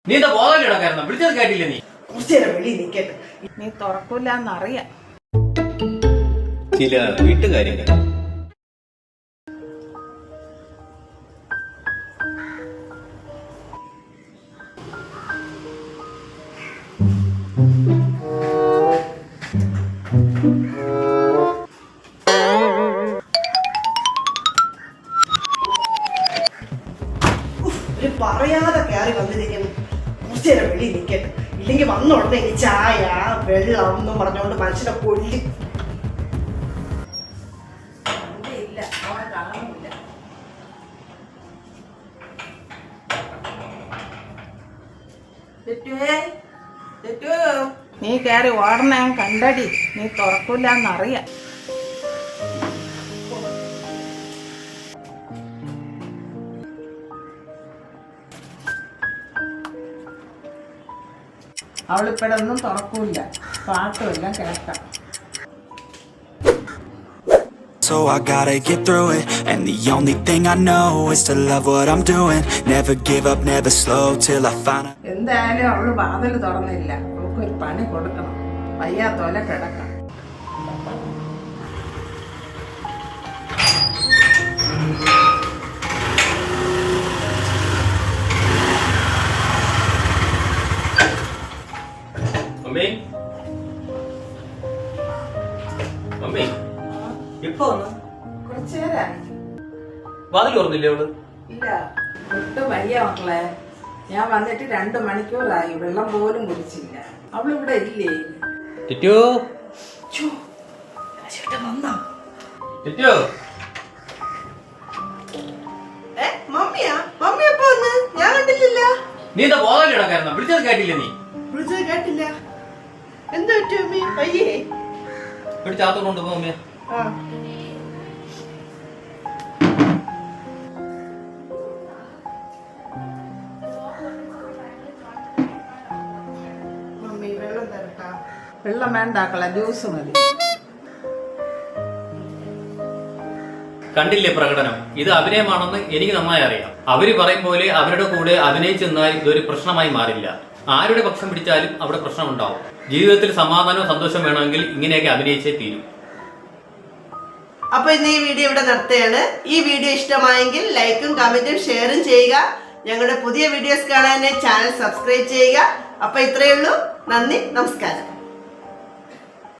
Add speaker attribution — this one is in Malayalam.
Speaker 1: നീ എന്താ ബോധമില്ലടാ കാരണം വിളിച്ചത് കേട്ടില്ല നീ
Speaker 2: കുറച്ചേരം വെളി നിൽക്കട്ടെ. നീ തുറക്കൂലെന്നറിയാം.
Speaker 1: ചില വീട്ടുകാര്യങ്ങൾ
Speaker 2: പറയാതെ കയറി വന്നിരിക്കുന്നു. കുറച്ചേരം വെളി നിൽക്കട്ടെ. ഇല്ലെങ്കിൽ വന്ന ഉടനെ ഈ ചായ വെള്ളം എന്നും പറഞ്ഞുകൊണ്ട് മനുഷ്യനെ കൊല്ലി. നീ കയറി ഓടണ ഞാൻ കണ്ടടി. നീ തുറക്കൂലെന്നറിയാം. അവളിപ്പോഴൊന്നും തുറക്കൂല. പാട്ടുമെല്ലാം കേൾക്കാം.
Speaker 3: So I gotta get through it, and the only thing I know is to love what I'm doing. Never give up, never slow till I find out.
Speaker 2: എന്തായാലും അവള് വാതിൽ തുറന്നില്ല. അവൾക്കൊരു പണി കൊടുക്കണം. വയ്യാത്തോലെ കിടക്കാം.
Speaker 1: മമ്മി മമ്മി എപ്പോ വന്നു?
Speaker 2: കുറച്ചേരായി.
Speaker 1: വാതിൽ തുറന്നില്ലേ അവള്?
Speaker 2: ഇല്ല, ഒട്ടും വയ്യ മക്കളെ. ഞാൻ വന്നിട്ട് 2 മണിക്കൂറായി. വെള്ളം പോലും കുടിച്ചില്ല. അവളിവിടെ ഇല്ലേ?
Speaker 1: ടിറ്റു ടിറ്റു
Speaker 2: മമ്മിയാ? മമ്മി എപ്പോ വന്ന്? ഞാൻ കണ്ടില്ലല്ലോ.
Speaker 1: നീ എന്താ ബോധമില്ലടാ കാരണം വിളിച്ചത് കേട്ടില്ല നീ
Speaker 2: വിളിച്ചത് കേട്ടില്ല. എന്താ പറ്റി മമ്മി? അയ്യേ
Speaker 1: ഇവിടെ ചാത്തോണ്ട് കൊണ്ടുപോ മമ്മിയെ.
Speaker 2: മമ്മി വെള്ളം തരട്ടാ? വെള്ളം വേണ്ടാക്കള, ജ്യൂസ് മതി.
Speaker 1: കണ്ടില്ലേ പ്രകടനം? ഇത് അഭിനയമാണെന്ന് എനിക്ക് നന്നായി അറിയാം. അവര് പറയും പോലെ അവരുടെ കൂടെ അഭിനയിച്ചെന്നാൽ ഇതൊരു പ്രശ്നമായി മാറില്ല. ആരുടെ പക്ഷം പിടിച്ചാലും അവിടെ പ്രശ്നമുണ്ടാവും. ജീവിതത്തിൽ സമാധാനവും സന്തോഷം വേണമെങ്കിൽ ഇങ്ങനെയൊക്കെ അഭിനയിച്ചേ തീരും.
Speaker 2: അപ്പൊ ഇന്ന് ഈ വീഡിയോ ഇവിടെ നിർത്തുകയാണ്. ഈ വീഡിയോ ഇഷ്ടമായെങ്കിൽ ലൈക്കും കമന്റും ഷെയറും ചെയ്യുക. ഞങ്ങളുടെ പുതിയ വീഡിയോസ് കാണാനായി ചാനൽ സബ്സ്ക്രൈബ് ചെയ്യുക. അപ്പൊ ഇത്രയേ ഉള്ളൂ. നന്ദി, നമസ്കാരം.